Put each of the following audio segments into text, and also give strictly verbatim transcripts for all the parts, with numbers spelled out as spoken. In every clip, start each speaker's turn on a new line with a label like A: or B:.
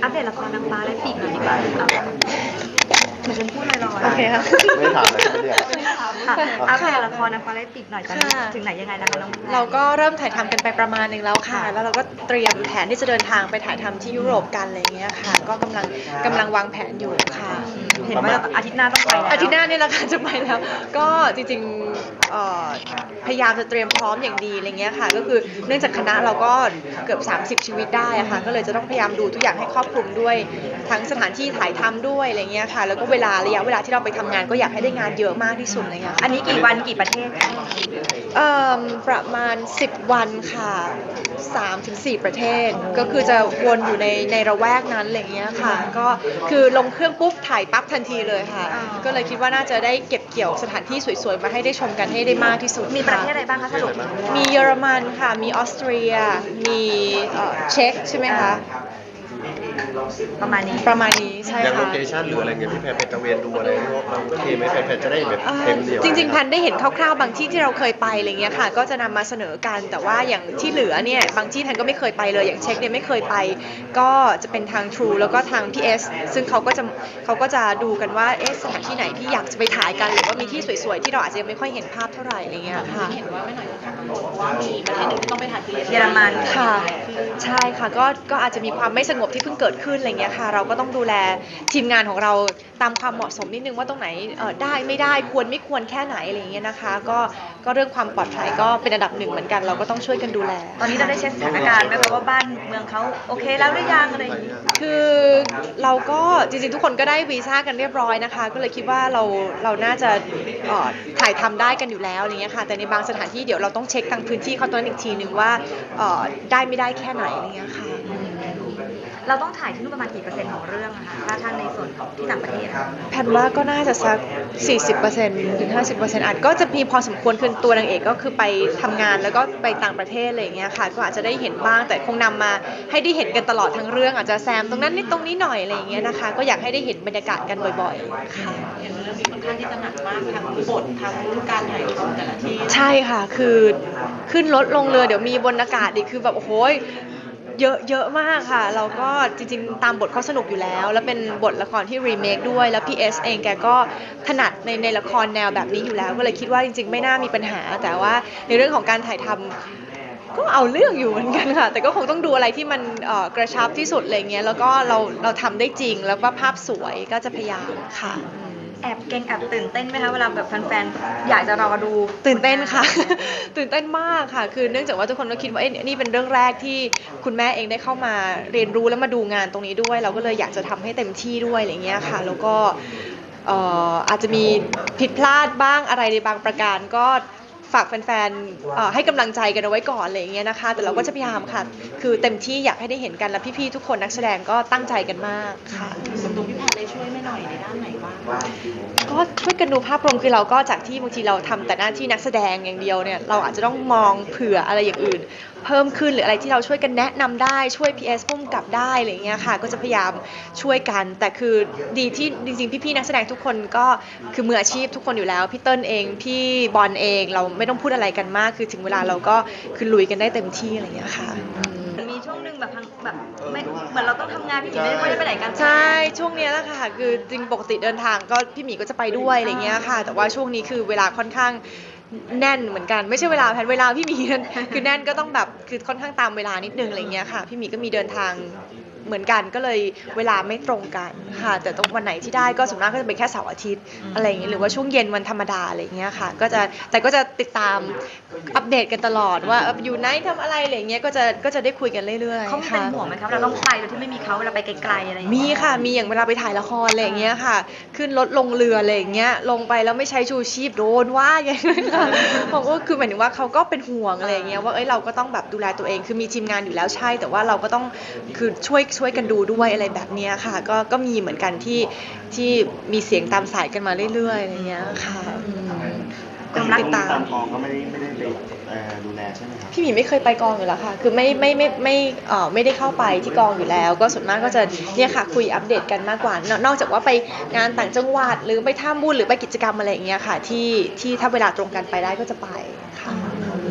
A: อัปเดตละครนางฟ้าและปีกหน่อยดีกว่าเหมือนฉันพูดลอยๆ
B: โอเคค่ะ
C: ไม่ถามเลยไม่เรียก
A: ค่ะอัปเดตละครนางฟ้าและปีกหน่อยตอนนี้ถึงไหนยังไงแล้วคะน้อง
B: เราก็เริ่มถ่ายทำกันไปประมาณหนึงแล้วค่ะ แล้วเราก็เตรียมแผนที่จะเดินทางไปถ่ายทำที่ยุโรปกันอะไรอย่างเงี้ยค่ะ ก็กำลังกำลังวางแผนอยู่ค่ะ
A: เห็นว่าอาทิตย์หน้าต้องไปแล้ว
B: อาทิตย์หน้านี่แหละค่ะจะไปแล้ว ก็จริงๆเอ่อพยายามจะเตรียมพร้อมอย่างดีอะไรเงี้ยค่ะ ก็คือเนื่องจากคณะเราก็เกือบสามสิบชีวิตได้อะค่ะ ก็เลยจะต้องพยายามดูทุกอย่างให้ครอบคลุมด้วยทั้งสถานที่ถ่ายทำด้วยอะไรเงี้ยค่ะ แล้วก็เวลาระยะเวลาที่เราไปทำงานก็อยากให้ได้งานเยอะมากที่สุดอะไรเงี้ยค่ะ
A: อันนี้กี่วันกี่ประเทศคะ
B: เอ่อประมาณสิบวันค่ะสามถึงสี่ประเทศ ก็คือจะวนอยู่ในในระแวกนั้นอะไรเงี้ยค่ะ ก็คือลงเครื่องปุ๊บถ่ายปั๊บทันทีเลยค่ะ ก็เลยคิดว่าน่าจะได้เก็บเกี่ยวสถานที่สวยๆมาให้ได้ชมกันให้ได้มากที่สุด
A: มีประเทศอะไรบ้างคะสรุป
B: มีเยอรมันค่ะ มีออสเตรีย มีเอ่อเช็กใช่ไหมคะ
A: ประมาณนี้
B: ประมาณนี้ใช่
C: อย่างโล
B: ค่ะ
C: เคชั่นหรืออะไรเงี้ยพี่แพรไปตระเวนดูอะไรเราโอเคไหมแพรแพรจะได้แบบ
B: เอ่อ
C: เต็มเดียว
B: จริงๆแพนได้เห็นคร่าวๆบางที่ที่เราเคยไปอะไรเงี้ยค่ะก็จะนำมาเสนอกันแต่ว่าอย่างที่เหลือเนี่ยบางที่แพนก็ไม่เคยไปเลยอย่างเช็คเนี่ยไม่เคยไป ก็จะเป็นทาง True แล้วก็ทาง พี เอส ซึ่งเขาก็จะเขาก็จะดูกันว่าเอ๊ะสถานที่ไหนที่อยากจะไปถ่ายกันหรือว่ามีที่สวยๆที่เราอาจจะยังไม่ค่อยเห็นภาพเท่าไหร่อะไรเงี้ยค่ะเห็นว่าไม่หน่อยว่ามีประเทศหนึ่งที่ต้องไปถ่ายคือ
A: เยอรมัน
B: ค่ะใช่ค่ะก็ก็อาจจะมีความไม่สงบที่เพิ่งเกิดขึ้นอะไรเงี้ยค่ะเราก็ต้องดูแลทีมงานของเราตามความเหมาะสมนิดนึงว่าตรงไหนเอ่อได้ไม่ได้ควรไม่ควรแค่ไหนอะไรอย่างเงี้ยนะคะก็ก็เรื่องความปลอดภัยก็เป็นอันดับหนึ่งเหมือนกันเราก็ต้องช่วยกันดูแล
A: ตอนนี้เราได้เช็คสถานการณ์ไหมคะว่าบ้านเมืองเขาโอเคแล้วหรือยังอะไรอย่างนี้
B: คือเราก็จริงๆทุกคนก็ได้วีซ่ากันเรียบร้อยนะคะก็เลยคิดว่าเราเราน่าจะเอ่อถ่ายทำได้กันอยู่แล้วอะไรเงี้ยค่ะแต่ในบางสถานที่เดี๋ยวเราต้องเช็คทางพื้นที่เขาตัวนั้นอีกทีนึงว่าเอ่อได้ไม่ได้แค่ไหนอะไรเงี้ยค่ะ
A: เราต้องถ่ายที่นู่นประมาณกี่เปอร์เซ็นต์ของเรื่องอะคะถ้าท่านในส่วนของที่ต่างประเทศอะ
B: แพนว่าก็น่าจะสัก สี่สิบเปอร์เซ็นต์ ถึง ห้าสิบเปอร์เซ็นต์ อาจก็จะมีพอสมควรคือตัวนางเอกก็คือไปทำงานแล้วก็ไปต่างประเทศอะไรอย่างเงี้ยค่ะก็อาจจะได้เห็นบ้างแต่คงนำมาให้ได้เห็นกันตลอดทั้งเรื่องอาจจะแซมตรงนั้นนิดตรงนี้หน่อยอะไรอย่างเงี้ยนะคะก็อยากให้ได้เห็นบรรยากาศกันบ่อยๆค่ะ
D: เห็นเรื่องนี้ค่อนข้างที่จะหนักมากทั้งบททั้งการถ่ายทำแต่ละที่
B: ใช่ค่ะคือขึ้นรถลงเรือเดี๋ยวมีบนอากาศอีกคือแบบโอ้โหเยอะเยอะมากค่ะเราก็จริงๆตามบทเขาสนุกอยู่แล้ว แล้วเป็นบทละครที่รีเมคด้วยแล้ว พี เอส เองแกก็ถนัดในในละครแนวแบบนี้อยู่แล้วก็เลยคิดว่าจริงๆไม่น่ามีปัญหาแต่ว่าในเรื่องของการถ่ายทำก็เอาเรื่องอยู่เหมือนกันค่ะแต่ก็คงต้องดูอะไรที่มันเอ่อกระชับที่สุดอะไรเงี้ยแล้วก็เราเราทำได้จริงแล้วก็ภาพสวยก็จะพยายามค่ะ
A: แอบเก่งแอบตื่นเต้นไหมคะเวลาแบบแฟนๆอยากจะรอดู
B: ตื่นเต้นค่ะ ตื่นเต้นมากค่ะ คือเนื่องจากว่าทุกคนก็คิดว่าเอ้ยนี่เป็นเรื่องแรกที่คุณแม่เองได้เข้ามาเรียนรู้แล้วมาดูงานตรงนี้ด้วย เราก็เลยอยากจะทำให้เต็มที่ด้วยอะไรเงี้ยค่ะ แล้วก็เอ่ออาจจะมีผิดพลาดบ้างอะไรในบางประการก็ฝากแฟนๆเอ่อให้กำลังใจกันเอาไว้ก่อนอะไรอย่างเงี้ยนะคะ แต่เราก็จะพยายามค่ะ คือเต็มที่อยากให้ได้เห็นกันแล้วพี่ๆทุกคนนักแสดงก็ตั้งใจกันมากค่ะ
D: ส่วนตัวพี่แพนได้ช่วยแม่หน่อยในด้านไหนบ้าง
B: ก็ช่วยกันดูภาพรวมคือเราก็จากที่บางทีเราทำแต่หน้าที่นักแสดงอย่างเดียวเนี่ยเราอาจจะต้องมองเผื่ออะไรอย่างอื่น เพิ่มขึ้นหรืออะไรที่เราช่วยกันแนะนำได้ช่วย พี เอส พุ่มกับได้อะไรอย่างเงี้ยค่ะก็จะพยายามช่วยกัน แต่คือดีที่จริงๆพี่ๆนักแสดงทุกคนก็คือมืออาชีพทุกคนอยู่แล้วพี่เติ้ลเองพี่บอลเองเราไม่ต้องพูดอะไรกันมากคือถึงเวลาเราก็คือลุยกันได้เต็มที่อะไรอย่างเงี้ยค่ะ
A: มีช่วงหนึ่งแบบพังแบบไม่เหมือนเราต้องทำงานพี่หมีไม่ได้ค่อยได้ไปไหนกัน
B: ใช่ช่วงเนี้ยแหละค่ะคือจริงปกติเดินทางก็พี่หมีก็จะไปด้วยอะไรเงี้ยค่ะ แต่ว่าช่วงนี้คือเวลาค่อนข้างแน่นเหมือนกันไม่ใช่เวลาแผนเวลาพี่หมีนั่นคือแน่นก็ต้องแบบคือค่อนข้างตามเวลานิดนึงอะไรเงี้ยค่ะพี่หมีก็มีเดินทางเหมือนกันก็เลยเวลาไม่ตรงกันค่ะแต่ตรงวันไหนที่ได้ก็ส่วนมากก็จะเป็นแค่เสาร์อาทิตย์อะไรอย่างเงี้ยหรือว่าช่วงเย็นวันธรรมดาอะไรเงี้ยค่ะก็จะแต่ก็จะติดตามอัปเดตกันตลอดว่าอยู่ไหนทำอะไรอะไรเงี้ยก็จะก็จะได้คุยกันเรื่อยๆ
A: เขามีเป็น
B: ค่ะ
A: ห่วงไหมครับเราต้องไปโดยที่ไม่มีเขาเวลาไปไกลๆอะไรอย่าง
B: มี
A: เงี้ย
B: ค่ะ มีอย่างเวลาไปถ่ายละครอะไรอย่างเงี้ยค่ะ ขึ้นรถลงเรืออะไรอย่างเงี้ย ลงไปแล้วไม่ใช้ชูชีพโดนว่าอย่างเงี้ยค่ะผมก็คือหมายถึงว่าเขาก็เป็นห่วงอะไรอย่างเงี้ยว่าเอ้ยเราก็ต้องแบบดูแลตัวเอง คือมีทีมงานอยู่แล้วใช่ แต่ว่าเราก็ต้องคือช่วยช่วยกันดูด้วยอะไรแบบเนี้ยค่ะ ก็ก็มีเหมือนกันที่ที่มีเสียงตามสายกันมาเรื่อยๆอะไรอย่างเงี้ยค่ะอืม
A: ความรัก
B: ติดตาม
C: ตามกองก็ไม่ได้ไม่ได้ไปเอ่อดูแลใช่ไหมครับ
B: พี่หมีไม่เคยไปกองอยู่แล้วค่ะ คือไม่ไม่ไม่ไม่เอ่อไม่ได้เข้าไปที่กองอยู่แล้ว ก็ส่วนมากก็จะเนี่ยค่ะคุยอัปเดตกันมากกว่านอกนอกจากว่าไปงานต่างจังหวัดหรือไปท่าบุญหรือไปกิจกรรมอะไรอย่างเงี้ยค่ะที่ที่ถ้าเวลาตรงกันไปได้ก็จะไปค่ะ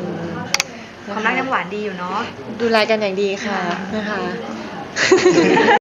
A: ความรักยังหวานดีอยู่เนาะ
B: ดูแลกันอย่างดีค่ะนะคะ